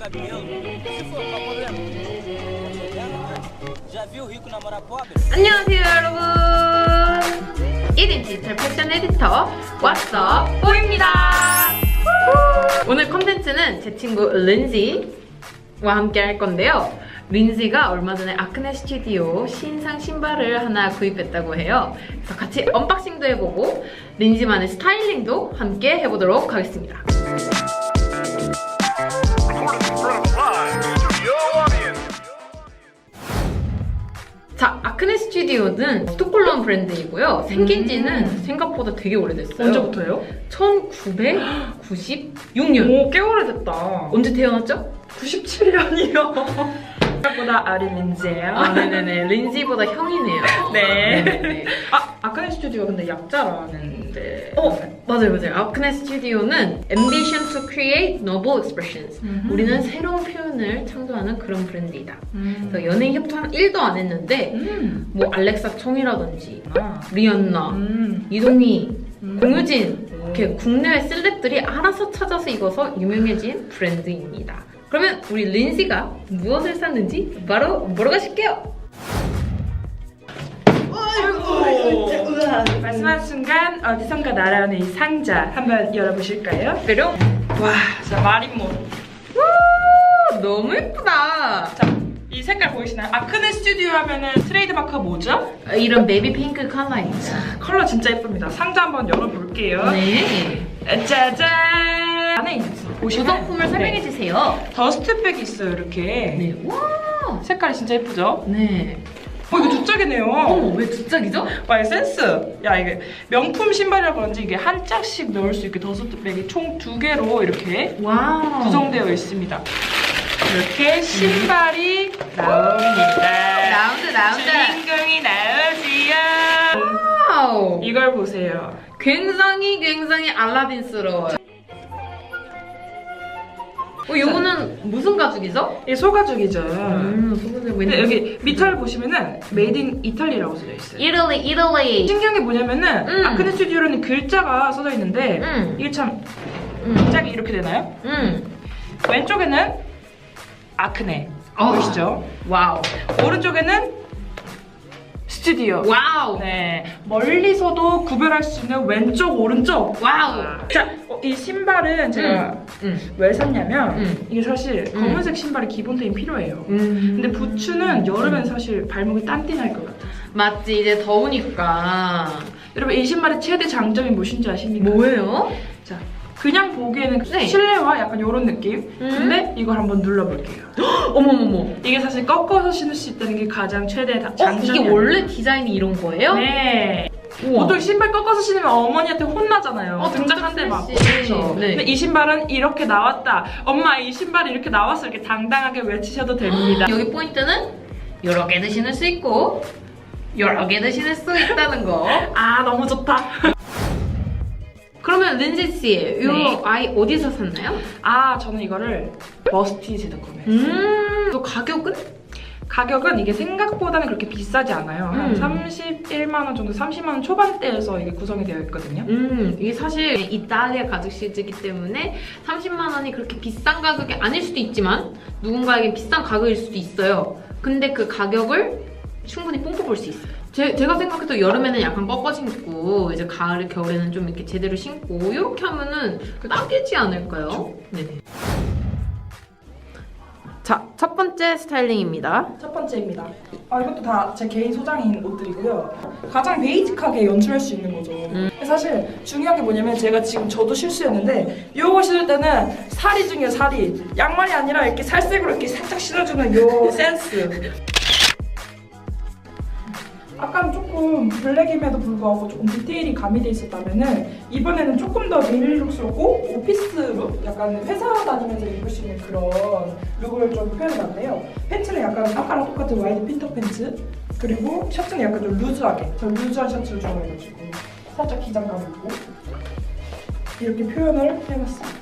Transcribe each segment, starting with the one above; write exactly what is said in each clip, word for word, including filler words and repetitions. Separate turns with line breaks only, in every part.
안녕하세요 여러분, 일 인 디지털 패션 에디터 왓썹 뽀입니다. 오늘 컨텐츠는 제 친구 린지와 함께 할 건데요. 린지가 얼마 전에 아크네 스튜디오 신상 신발을 하나 구입했다고 해요. 그래서 같이 언박싱도 해보고 린지만의 스타일링도 함께 해보도록 하겠습니다. 자, 아크네 스튜디오는 스톡홀름 브랜드이고요. 생긴 지는 음. 생각보다 되게 오래됐어요.
언제부터요?
천구백구십육 년.
오, 꽤 오래됐다.
언제 태어났죠?
구십칠 년이요. 생각보다 어린 린지예요.
아, 네네네. 린지보다 형이네요.
네.
네네네.
아, 아크네 스튜디오 근데 약자라는데.
어, 맞아요, 맞아요. 아크네 스튜디오는 Ambition to create novel expressions.
음흠.
우리는 새로운 표현을 창조하는 그런 브랜드이다.
음.
그래서 연예인 협찬 일도 안 했는데
음.
뭐 알렉사 청이라든지
아.
리언나,
음.
이동희,
음.
공유진 이렇게
오.
국내외 셀럽들이 알아서 찾아서 입어서 유명해진 브랜드입니다. 그러면 우리 린지가 무엇을 샀는지 바로 보러 가실게요.
아이고. 말씀한 순간 어디선가 날아오는 이 상자 한번 열어보실까요?
그럼
와, 자 마린몬.
와, 너무 예쁘다.
자, 이 색깔 보이시나요? 아크네 스튜디오 하면은 트레이드 마크가 뭐죠?
이런 베이비 핑크 컬러입니다.
컬러 진짜 예쁩니다. 상자 한번 열어볼게요.
네.
짜잔! 안에 있어. 보시면
구성품을 설명해 주세요.
더스트백이 있어요, 이렇게.
네. 와.
색깔이 진짜 예쁘죠?
네.
어, 이거 두 짝이네요.
어머, 왜 두 짝이죠?
와, 이거 센스. 야, 이게 명품 신발이라 그런지 이게 한 짝씩 넣을 수 있게 더스트백이 총 두 개로 이렇게
와우.
구성되어 있습니다. 이렇게 신발이 나옵니다.
나온다, 나온다.
주인공이 나오지요.
와우.
이걸 보세요.
굉장히 굉장히 알라딘스러워요. 어, 이거는 무슨 가죽이죠?
이게 소가죽이죠.
음, 소가죽.
근데 여기 밑을 보시면은 메이드 인 이탈리라고 써져 있어요.
이탈리, 이탈리.
신기한 게 뭐냐면은
음.
아크네 스튜디오라는 글자가 써져 있는데
음.
이게 참
음.
짝이 이렇게 되나요?
음.
왼쪽에는 아크네
어.
보이시죠?
와우.
오른쪽에는 스튜디오.
와우.
네, 멀리서도 구별할 수 있는 왼쪽 오른쪽.
와우.
자, 어, 이 신발은 제가
음.
왜 샀냐면
음.
이게 사실
음.
검은색 신발이 기본템이 필요해요.
음.
근데 부츠는 여름엔 사실 발목이 땀띠 날 것 같아요.
맞지, 이제 더우니까.
여러분 이 신발의 최대 장점이 무엇인지 아십니까?
뭐예요?
자, 그냥 보기에는
네.
실내화 약간 이런 느낌.
음.
근데 이걸 한번 눌러볼게요.
어머머머.
이게 사실 꺾어서 신을 수 있다는 게 가장 최대 다-
어,
장점이에요.
이게 원래 디자인이 이런 거예요?
네.
우와.
보통 신발 꺾어서 신으면 어머니한테 혼나잖아요.
어,
등짝 한 대 맞고.
스트레스.
그렇죠.
네.
근데 이 신발은 이렇게 나왔다. 엄마 이 신발이 이렇게 나왔어. 이렇게 당당하게 외치셔도 됩니다.
여기 포인트는 여러 개도 신을 수 있고 여러 개도 신을 수 있다는 거.
아, 너무 좋다.
그러면 린지 씨, 이
네.
아이 어디서 샀나요?
아, 저는 이거를 머스티즈에서 구매했어요.
음, 또 가격은?
가격은 이게 생각보다는 그렇게 비싸지 않아요. 한
음.
삼십일만 원 정도, 삼십만 원 초반대에서 이게 구성이 되어 있거든요.
음, 이게 사실 이탈리아 가죽 시즈이기 때문에 삼십만 원이 그렇게 비싼 가격이 아닐 수도 있지만 누군가에게 비싼 가격일 수도 있어요. 근데 그 가격을 충분히 뽕뽑을 수 있어요. 제, 제가 생각해도 여름에는 약간 꺾어 신고 이제 가을, 겨울에는 좀 이렇게 제대로 신고 이렇게 하면은 딱이지 않을까요?
그쵸.
네네. 자, 첫 번째 스타일링입니다.
첫 번째입니다. 아, 이것도 다 제 개인 소장인 옷들이고요. 가장 베이직하게 연출할 수 있는 거죠.
음.
사실 중요한 게 뭐냐면 제가 지금 저도 실수였는데 요거 신을 때는 사리 중에 사리. 양말이 아니라 이렇게 살색으로 이렇게 살짝 신어주는 요 센스. 아까는 조금 블랙임에도 불구하고 조금 디테일이 가미돼 있었다면은 이번에는 조금 더 데일리룩스럽고 오피스룩, 약간 회사 다니면서 입을 수 있는 그런 룩을 좀 표현해봤는데요. 팬츠는 약간 아까랑 똑같은 와이드 핀터 팬츠, 그리고 셔츠는 약간 좀 루즈하게, 저 루즈한 셔츠를 좋아해가지고 살짝 기장감 있고 이렇게 표현을 해봤습니다.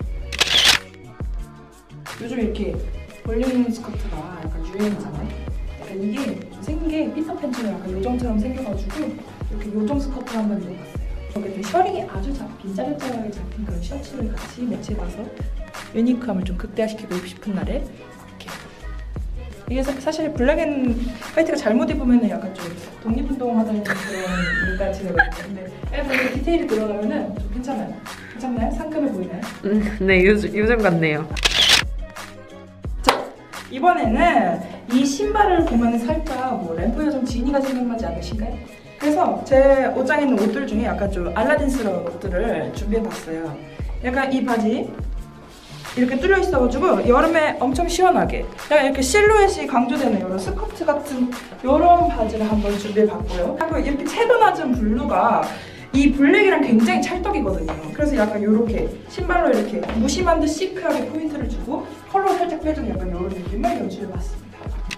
요즘 이렇게 볼륨 스커트가 약간 유행이잖아요. 이게 좀 생긴 게 피터팬츠는 약간 요정처럼 생겨가지고 이렇게 요정 스커트 한번 입어봤어요. 여기 셔링이 아주 잡힌, 짜릿짜릿하게 잡힌 그런 셔츠를 같이 매치해봐서 유니크함을 좀 극대화시키고 입고 싶은 날에 이렇게. 이게 사, 사실 블랙 앤 화이트가 잘못 입으면 약간 좀 독립운동하다는 그런 일가 지내거든요. 근데 약간 이렇게 디테일이 들어가면은 좀 괜찮아요. 괜찮나요? 상큼해 보이나요?
음, 네, 요즘, 요즘 같네요.
자, 이번에는 이 신발을 보면 살짝 뭐 램프 요정 지니가 생각나지 않으신가요? 그래서 제 옷장에 있는 옷들 중에 약간 좀 알라딘스러운 옷들을 준비해봤어요. 약간 이 바지 이렇게 뚫려 있어가지고 여름에 엄청 시원하게 약간 이렇게 실루엣이 강조되는 이런 스커트 같은 이런 바지를 한번 준비해봤고요. 그리고 이렇게 채도 낮은 블루가 이 블랙이랑 굉장히 찰떡이거든요. 그래서 약간 이렇게 신발로 이렇게 무심한 듯 시크하게 포인트를 주고 컬러 살짝 빼주는 약간 이런 느낌을 연출해봤습니다.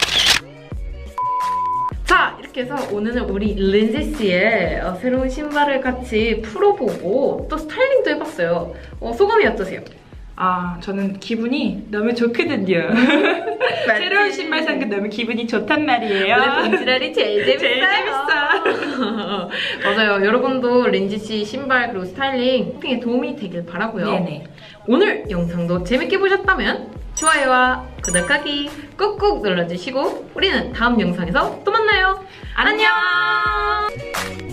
자, 이렇게 해서 오늘은 우리 린지 씨의 어, 새로운 신발을 같이 풀어보고 또 스타일링도 해봤어요. 어, 소감이 어떠세요?
아, 저는 기분이 너무 좋거든요. 새로운 신발 산 게 너무 기분이 좋단 말이에요.
원래 본지랄이 제일 재밌어요.
제일 재밌어.
맞아요. 여러분도 린지 씨 신발 그리고 스타일링 쇼핑에 도움이 되길 바라고요.
네네.
오늘 영상도 재밌게 보셨다면 좋아요와 구독하기 꾹꾹 눌러주시고 우리는 다음 영상에서 또 만나요. 안녕.